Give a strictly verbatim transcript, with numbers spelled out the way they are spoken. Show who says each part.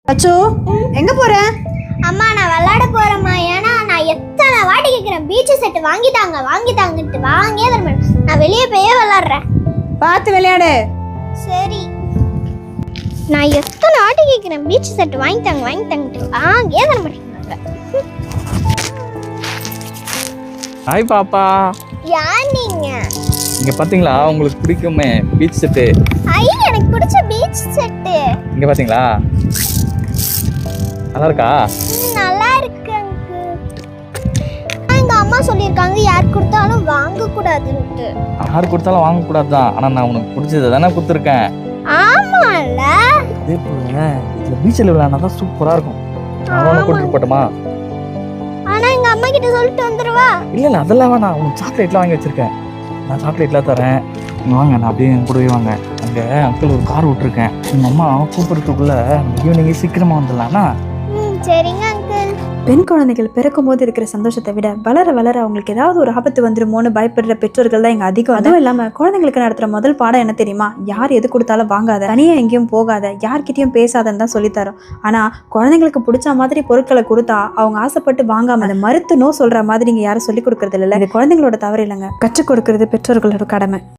Speaker 1: அச்சோ எங்க போற?
Speaker 2: அம்மா நான் விளையாட போறேம்மா. ஏன்னா நான் எத்தனை வாட்டி கேட்குறேன் பீச் செட் வாங்கிட்டாங்க வாங்கிட்டாங்கன்ட்டு வாங்கியே தர மாட்டேன். நான் வெளியே போயே விளையாடுறேன்.
Speaker 1: பார்த்து விளையாடு.
Speaker 2: சரி நான் எத்தனை வாட்டி கேட்குறேன் பீச் செட் வாங்கிட்டாங்க வாங்கிட்டாங்கன்ட்டு வாங்கியே தர மாட்டேங்கிறாங்க.
Speaker 3: ஹாய் பாப்பா.
Speaker 2: யார் நீங்க?
Speaker 3: இங்க பாத்தீங்களா உங்களுக்கு பிடிக்குமே பீச் செட்டு.
Speaker 2: ஐ எனக்கு பிடிச்ச பீச் செட்டு.
Speaker 3: இங்க பாத்தீங்களா நல்லா இருக்கா?
Speaker 2: நல்லா இருக்கு அங்கு. எங்க அம்மா சொல்லியிருக்காங்க யார் கொடுத்தாலும் வாங்க கூடாதுன்ட்டு.
Speaker 3: யார் கொடுத்தாலும் வாங்க கூடாதுதான். ஆனா நான் உனக்கு பிடிச்சதை தானே கொடுத்துருக்கேன்.
Speaker 2: ஆமால
Speaker 3: அதே போல இந்த பீச்சில் விளையாடினா சூப்பரா இருக்கும். நான் உனக்கு கூட்டிட்டு போட்டுமா?
Speaker 2: ஆனா எங்க அம்மா கிட்ட சொல்லிட்டு வந்துருவா.
Speaker 3: இல்ல இல்ல அதெல்லாம் வேணாம். உனக்கு சாக்லேட்லாம் வாங்கி வச்சிருக்கேன். நான் சாக்லேட்லாம் தரேன். நீங்கள் வாங்க, நான் அப்படியே என் கூடவே வாங்க. அங்கே அங்கிள் ஒரு கார் விட்டுருக்கேன். உங்கள் அம்மா கூப்பிட்றதுக்குள்ளே ஈவினிங்கே சீக்கிரமாக வந்துடலாம்னா?
Speaker 2: ம் சரிங்க அங்கிள்.
Speaker 1: பெண் குழந்தைகள் பிறக்கும் போது இருக்கிற சந்தோஷத்தை விட வளர வளர அவங்களுக்கு ஏதாவது ஒரு ஆபத்து வந்துருமோன்னு பயப்படுற பெற்றோர்கள் தான் இங்க அதிகம். அதுவும் இல்லாம குழந்தைங்களுக்கு நடத்துற முதல் பாடம் என்ன தெரியுமா? யார் எது கொடுத்தாலும் வாங்காத, தனியா எங்கேயும் போகாத, யார்கிட்டயும் பேசாதன்னு தான் சொல்லித்தரோம். ஆனா குழந்தைங்களுக்கு பிடிச்ச மாதிரி பொருட்களை கொடுத்தா அவங்க ஆசைப்பட்டு வாங்காம அதை மறுத்து நோ சொல்ற மாதிரி இங்க யாரும் சொல்லி கொடுக்கறது இல்லை. இது குழந்தைங்களோட தவறு இல்லைங்க, கற்றுக் கொடுக்கறது பெற்றோர்களோட கடமை.